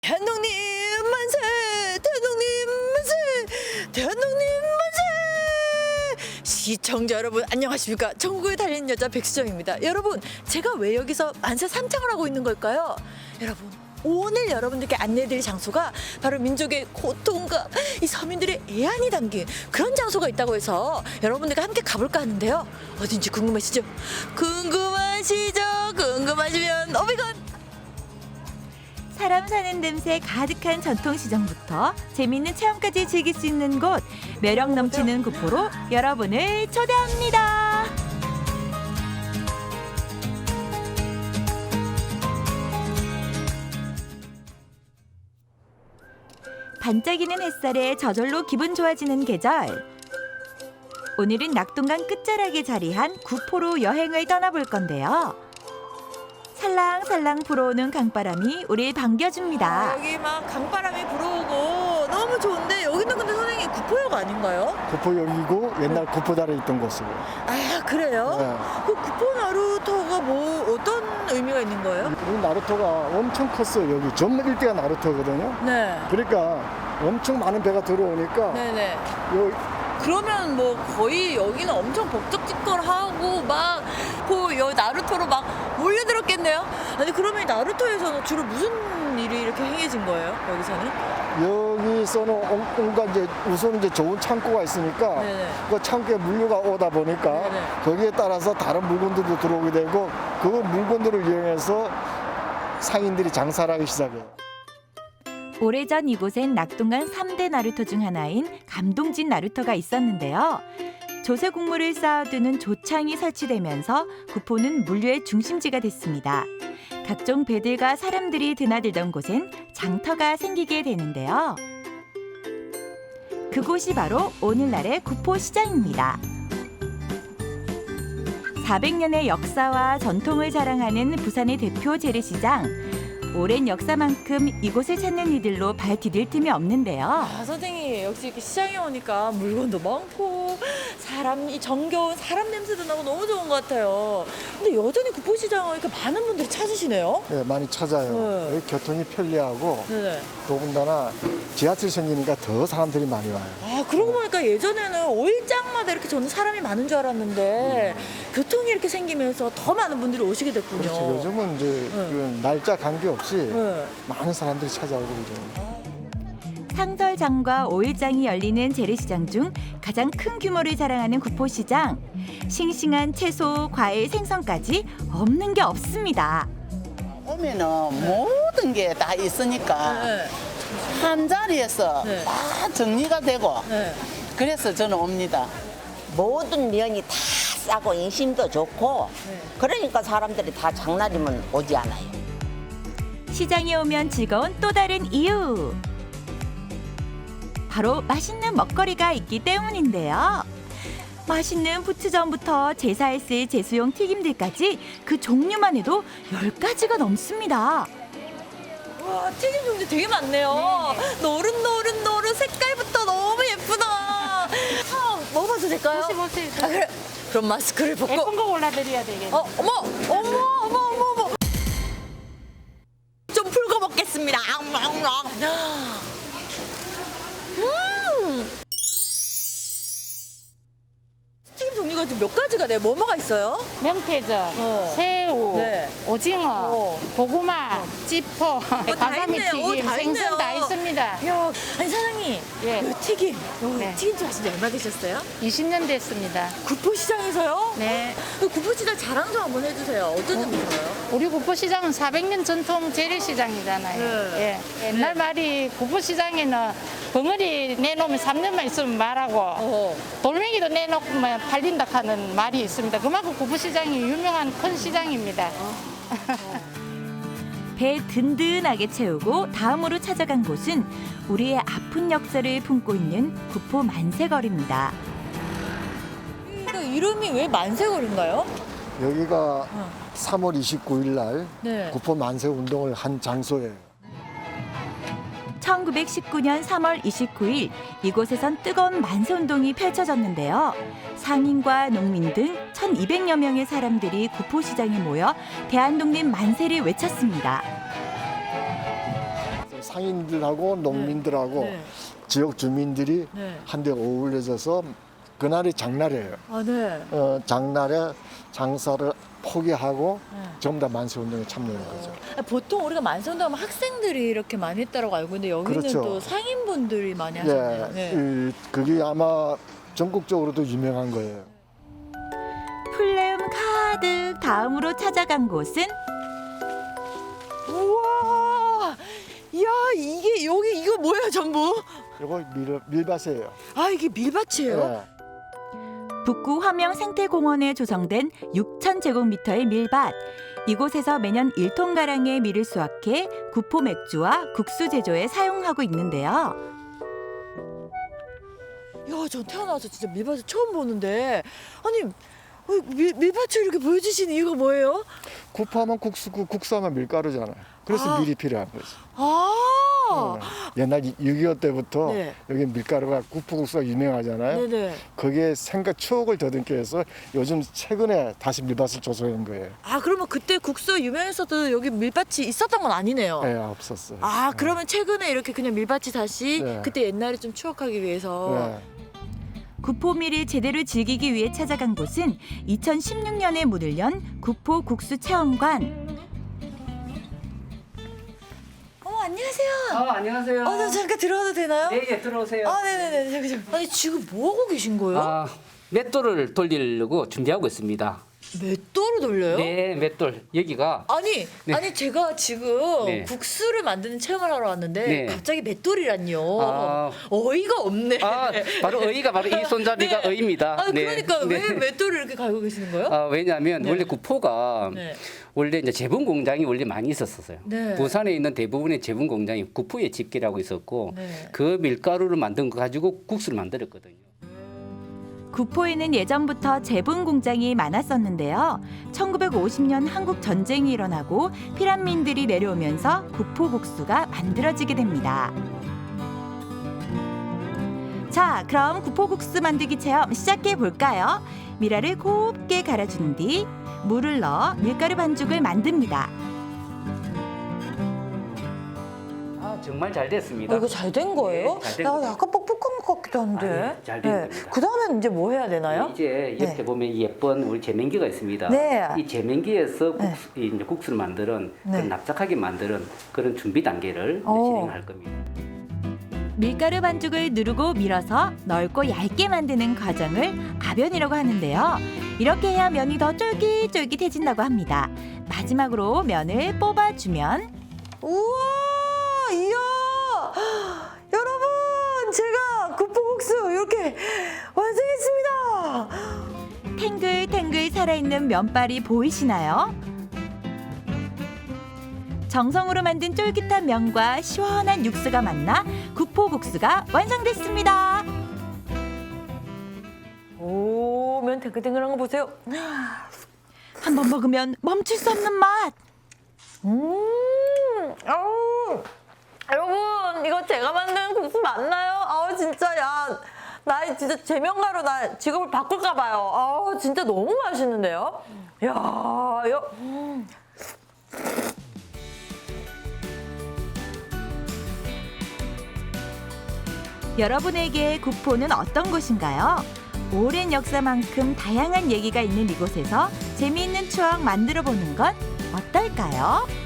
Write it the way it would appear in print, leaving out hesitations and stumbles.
대한독립 만세! 대한독립 만세! 대한독립 만세! 시청자 여러분 안녕하십니까? 전국에 달리는 여자 백수정입니다. 여러분 제가 왜 여기서 만세 삼창을 하고 있는 걸까요? 여러분 오늘 여러분들께 안내해드릴 장소가 바로 민족의 고통과 이 서민들의 애안이 담긴 그런 장소가 있다고 해서 여러분들과 함께 가볼까 하는데요. 어딘지 궁금하시죠? 궁금하시죠? 궁금하시면 오비건! 사람 사는 냄새 가득한 전통시장부터 재미있는 체험까지 즐길 수 있는 곳, 매력 넘치는 구포로 여러분을 초대합니다. 반짝이는 햇살에 저절로 기분 좋아지는 계절. 오늘은 낙동강 끝자락에 자리한 구포로 여행을 떠나볼 건데요. 살랑살랑 불어오는 강바람이 우릴 반겨줍니다. 여기 막 강바람이 불어오고 너무 좋은데 여기는 근데 선생님 구포역 아닌가요? 구포역이고 옛날 구포다리에 있던 곳이고. 아 그래요? 네. 그 구포 나루토가 뭐 어떤 의미가 있는 거예요? 이 나루토가 엄청 컸어요. 여기 전 일대가 나루토거든요. 네. 그러니까 엄청 많은 배가 들어오니까 네네. 요 그러면 뭐 거의 여기는 엄청 북적북적하고 막그 여기 나루토로 막 몰려들었겠네요. 아니 그러면 이 나루토에서는 주로 무슨 일이 이렇게 행해진 거예요? 여기서는? 여기서는 온갖 이제 우선 이제 좋은 창고가 있으니까 네네. 그 창고에 물류가 오다 보니까 네네. 거기에 따라서 다른 물건들도 들어오게 되고 그 물건들을 이용해서 상인들이 장사를 하기 시작해요. 오래전 이곳엔 낙동강 3대 나루토 중 하나인 감동진 나루토가 있었는데요. 조세 곡물을 쌓아두는 조창이 설치되면서 구포는 물류의 중심지가 됐습니다. 각종 배들과 사람들이 드나들던 곳엔 장터가 생기게 되는데요. 그곳이 바로 오늘날의 구포시장입니다. 400년의 역사와 전통을 자랑하는 부산의 대표 재래시장. 오랜 역사만큼 이곳을 찾는 이들로 발 디딜 틈이 없는데요. 아 선생님 역시 이렇게 시장에 오니까 물건도 많고 사람이 정겨운 사람 냄새도 나고 너무 좋은 것 같아요. 근데 여전히 구포시장을 이렇게 많은 분들이 찾으시네요. 네, 많이 찾아요. 네. 여기 교통이 편리하고 네네. 더군다나 지하철 생기니까 더 사람들이 많이 와요. 아 그러고 보니까 예전에는 5일장마다 이렇게 저는 사람이 많은 줄 알았는데 교통이 이렇게 생기면서 더 많은 분들이 오시게 됐군요. 그렇죠. 요즘은 이제 그 날짜 관계없이 네. 많은 사람들이 찾아오고 그러죠. 상설장과 5일장이 열리는 재래시장 중 가장 큰 규모를 자랑하는 구포시장. 싱싱한 채소, 과일, 생선까지 없는 게 없습니다. 오면은 모든 게 다 있으니까 네. 한 자리에서 네. 다 정리가 되고 네. 그래서 저는 옵니다. 모든 면이 다 싸고 인심도 좋고 그러니까 사람들이 다 장날이면 오지 않아요. 시장에 오면 즐거운 또 다른 이유. 바로 맛있는 먹거리가 있기 때문인데요. 맛있는 부추전부터 제사에 쓸 제수용 튀김들까지 그 종류만 해도 10가지가 넘습니다. 와 튀김 종류 되게 많네요. 노릇노릇 색깔부터 너무 예쁘다. 먹어봐도 될까요? 보세요. 아, 그래. 그럼 마스크를 벗고. 예쁜 거 골라드려야 되겠네. 어머. 좀 풀고 먹겠습니다. 튀김 종류가 좀 몇 가지가 돼요? 뭐가 있어요? 명태젓, 새우, 네. 오징어, 고구마, 찌포, 다 가사미 있네요. 튀김, 다 생선 있네요. 다 있습니다. 야, 아니 사장님, 예. 이 튀김, 네. 튀김집 하신 지 얼마 되셨어요? 20년 됐습니다. 구포시장에서요? 네. 그 구포시장 자랑 좀 한번 해주세요. 어떤 점이 좋아요? 우리 구포시장은 400년 전통 재래시장이잖아요. 네. 예. 옛날 말이 구포시장에는 벙어리 내놓으면 3년만 있으면 말하고 돌멩이도 내놓으면 팔린다 하는 말이 있습니다. 그만큼 구포시장이 유명한 큰 시장입니다. 배 든든하게 채우고 다음으로 찾아간 곳은 우리의 아픈 역사를 품고 있는 구포 만세거리입니다. 그 이름이 왜 만세거리인가요? 여기가 3월 29일 날 네. 구포 만세 운동을 한 장소예요. 1919년 3월 29일 이곳에선 뜨거운 만세운동이 펼쳐졌는데요. 상인과 농민 등 1,200여 명의 사람들이 구포시장에 모여 대한독립 만세를 외쳤습니다. 상인들하고 농민들하고 네. 지역 주민들이 네. 한데 어울려져서 그날이 장날이에요. 아, 네. 장날에 장사를 포기하고 네. 전부 다 만세운동에 참여하는 거죠. 보통 우리가 만세운동하면 학생들이 이렇게 많이 했다고 알고 있는데 여기는 그렇죠. 또 상인분들이 많이 하셨네요. 네. 그게 아마 전국적으로도 유명한 거예요. 풀네음 가득 다음으로 찾아간 곳은 우와, 이야 이게 여기 이거 뭐예요 전부? 이거 밀밭이에요. 아 이게 밀밭이에요? 네. 북구 화명 생태공원에 조성된 6,000제곱미터의 밀밭. 이곳에서 매년 1톤가량의 밀을 수확해 구포 맥주와 국수 제조에 사용하고 있는데요. 야, 전 태어나서 진짜 밀밭을 처음 보는데 아니 밀밭을 이렇게 보여주시는 이유가 뭐예요? 구파하면 국수고 국수하면 밀가루잖아요. 그래서 아. 밀이 필요한 거죠. 아, 옛날 6.25 때부터 네. 여기 밀가루가 구포국수가 유명하잖아요. 네네. 거기에 생각 추억을 더듬기 위해서 요즘 최근에 다시 밀밭을 조성한 거예요. 아 그러면 그때 국수 유명했어도 여기 밀밭이 있었던 건 아니네요. 네, 없었어요. 아 그러면 최근에 이렇게 그냥 밀밭이 다시 네. 그때 옛날을 좀 추억하기 위해서. 네. 구포밀을 제대로 즐기기 위해 찾아간 곳은 2016년에 문을 연 구포 국수 체험관. 안녕하세요. 안녕하세요. 저 잠깐 들어와도 되나요? 네, 예, 들어오세요. 네네네. 잠깐. 아니 지금 뭐 하고 계신 거예요? 맷돌을 돌리려고 준비하고 있습니다. 맷돌을 돌려요? 네, 맷돌. 여기가 아니, 네. 아니 제가 지금 네. 국수를 만드는 체험을 하러 왔는데 네. 갑자기 맷돌이란요. 아. 어이가 없네. 바로 어이가 바로 이 손잡이가 네. 어이입니다. 아, 네. 그러니까 네. 왜 맷돌을 이렇게 갈고 계시는 거예요? 왜냐하면 네. 원래 구포가 네. 원래 이제 제분 공장이 원래 많이 있었어요. 네. 부산에 있는 대부분의 제분 공장이 구포에 집계라고 있었고 네. 그 밀가루를 만든 거 가지고 국수를 만들었거든요. 구포에는 예전부터 제분 공장이 많았었는데요. 1950년 한국 전쟁이 일어나고 피란민들이 내려오면서 구포 국수가 만들어지게 됩니다. 자, 그럼 구포 국수 만들기 체험 시작해 볼까요? 미라를 곱게 갈아준 뒤 물을 넣어 밀가루 반죽을 만듭니다. 정말 잘 됐습니다. 이거 잘 된 거예요? 네, 잘된 나 거예요. 약간 뻑뻑한 것 같기도 한데. 아니, 잘된 겁니다. 그 다음엔 이제 뭐 해야 되나요? 이제 옆에 네. 보면 예쁜 우리 제면기가 있습니다. 네. 이 제면기에서 네. 이제 국수를 만드는 네. 그런 납작하게 만드는 그런 준비 단계를 이제 오. 진행할 겁니다. 밀가루 반죽을 누르고 밀어서 넓고 얇게 만드는 과정을 아변이라고 하는데요. 이렇게 해야 면이 더 쫄깃쫄깃해진다고 합니다. 마지막으로 면을 뽑아주면 우와, 이야, 여러분, 제가 구포국수 이렇게 완성했습니다. 탱글탱글 살아있는 면발이 보이시나요? 정성으로 만든 쫄깃한 면과 시원한 육수가 만나 구포국수가 완성됐습니다. 오, 면 탱글탱글한 거 보세요. 한 번 먹으면 멈출 수 없는 맛. 아우, 여러분, 이거 제가 만든 국수 맞나요? 아우, 진짜, 야, 나 진짜 제명가로 나 직업을 바꿀까 봐요. 아우, 진짜 너무 맛있는데요? 야, 여러분에게 구포는 어떤 곳인가요? 오랜 역사만큼 다양한 얘기가 있는 이곳에서 재미있는 추억 만들어 보는 건 어떨까요?